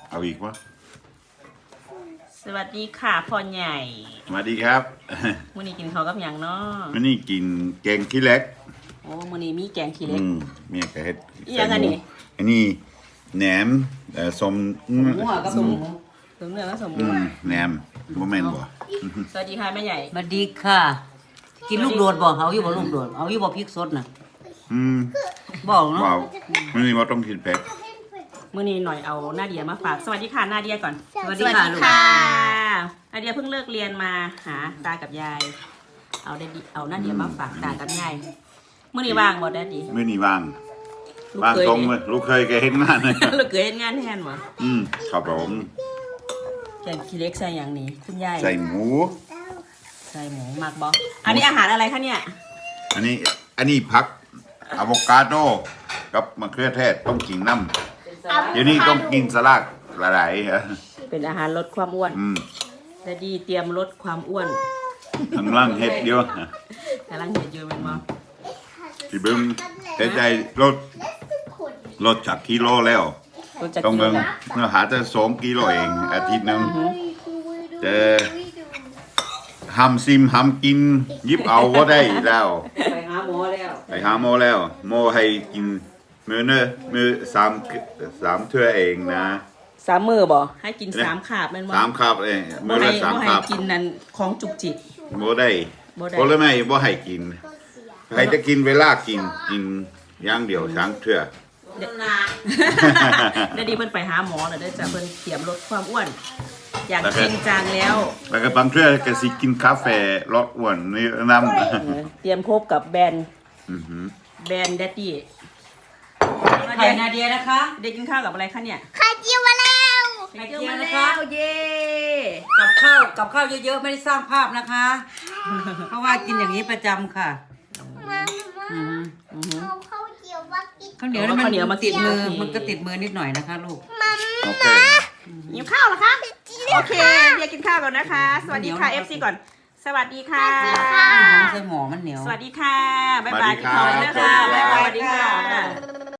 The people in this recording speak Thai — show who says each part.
Speaker 1: เอาอีกวะ
Speaker 2: สวัสดีค่ะพ่อใหญ่
Speaker 1: สวัสดีครับ
Speaker 2: มื้อนี้กินข้าวกับหยังเนาะ
Speaker 1: วันนี้กินแกงขี้เหล็ก
Speaker 2: โอ้มื้อนี้มีแกงขี้เหล็ก
Speaker 1: เมียกะเฮ็ด
Speaker 2: อีหยังอันนี้
Speaker 1: อันนี้แหนมสม
Speaker 2: หมูกับสมเนื้อกับสมหมู
Speaker 1: แหนมบ่แม่นบ่
Speaker 2: สวัสดีค่ะแม่ใหญ่
Speaker 3: สวัสดีค่ะกินลูกโดดบ่เอาอยู่บ่ลูกโดดเอาอยู่บ่พริกสดน่ะบอกเนาะ
Speaker 1: ว้าวมื้อนี้บ่ต้องกินเผ็ด
Speaker 2: มื้อนี้หน่อยเอานาเดียมาฝากสวัสดีค่ะนาเดียก่อน
Speaker 3: สวัสดีค่ะลูก
Speaker 2: นาเดียเพิ่งเลิกเรียนมาหาตากับยายเอานาเดียมาฝากตากับยายมื้อนี้ว่างบ่แดดดี้
Speaker 1: มื้อนี้ว่างตรงเลยลูกเคยแกเฮ็ดงานเลย
Speaker 2: ลูกเคยเฮ็ดงานแทนบ่
Speaker 1: ครับผม
Speaker 2: แกงขี้เหล็กใส่หยังนี่คุณยาย
Speaker 1: ใส่หมู
Speaker 2: มักบ่อันนี้อาหารอะไรคะเนี่ย
Speaker 1: อันนี้ผักอะโวคาโดกับมะเขือเทศต้องกินน้ำเดี๋ยวนี้ต้องกินสลัดหลายๆ
Speaker 2: เป็นอาหารลดความอ้วนแต่ดีเตรียมลดความอ้วน
Speaker 1: กำลังเฮ็ดเดียว
Speaker 2: กำลังเฮ็ดอยู่แม่นบ่
Speaker 1: ที่เบิ่งเฮ็ดได้ลดจากกิโลแล้วต้องเบิ่งหาแต่2กิโลเองอาทิตย์นึงแต่ห้ามซิมห้ามกินยิบเอาบ่ได้แล้ว
Speaker 2: ไปหาหมอ
Speaker 1: แล้วหมอให้กินมื้อ3เทื่อเองนะ
Speaker 2: 3มื้อบ่ให้กิน3คาบแม่นบ่
Speaker 1: 3คาบเองมื้อละ3คาบ
Speaker 2: กินนั่นของจุกจิก
Speaker 1: บ่ได้ผลไม้บ่ให้กินให้จะกินเวลากินอย่างเดียว3เทื่อ
Speaker 2: เดี๋ยวดีเพิ่นไปหาหมอแล้วเด้อจ้ะเพิ่นเตรียมลดความอ้วนอยากจริงจังแล้ว
Speaker 1: ก็บางเทื่อก็สิกินกาแฟลดอ้วนนี่นำ
Speaker 2: เตรียมพบกับแบรนด์แดดดี้
Speaker 3: ไข่นาเดียนะคะ
Speaker 2: เด็กกินข้าวกับอะไรคะเนี่ย
Speaker 4: ไข่เจียวมาแล้ว
Speaker 3: ไข่เจียวนะคะ
Speaker 2: เย้
Speaker 3: กับข้าวเยอะๆไม่ได้สร้างภาพนะคะ เพราะว่ากินอย่างนี้ประจำค่ะ
Speaker 4: เอาข้าวเจียวมากิน
Speaker 3: ข้าวเหนียวมันติดมือมันก็ติดมือนิดหน่อยนะคะลูก
Speaker 1: โอเค
Speaker 2: หิวข้าวเหรอคะโอเคเดี๋ยวกินข้าวก่อนนะคะสวัสดีค่ะ FC ก่อนสวัสดีค่ะ
Speaker 3: ใส่หมอมันเหนียว
Speaker 2: สวัสดีค่ะบ๊ายบายกินข้าวแล้วค่ะบ๊ายบายสวัสดีค่ะ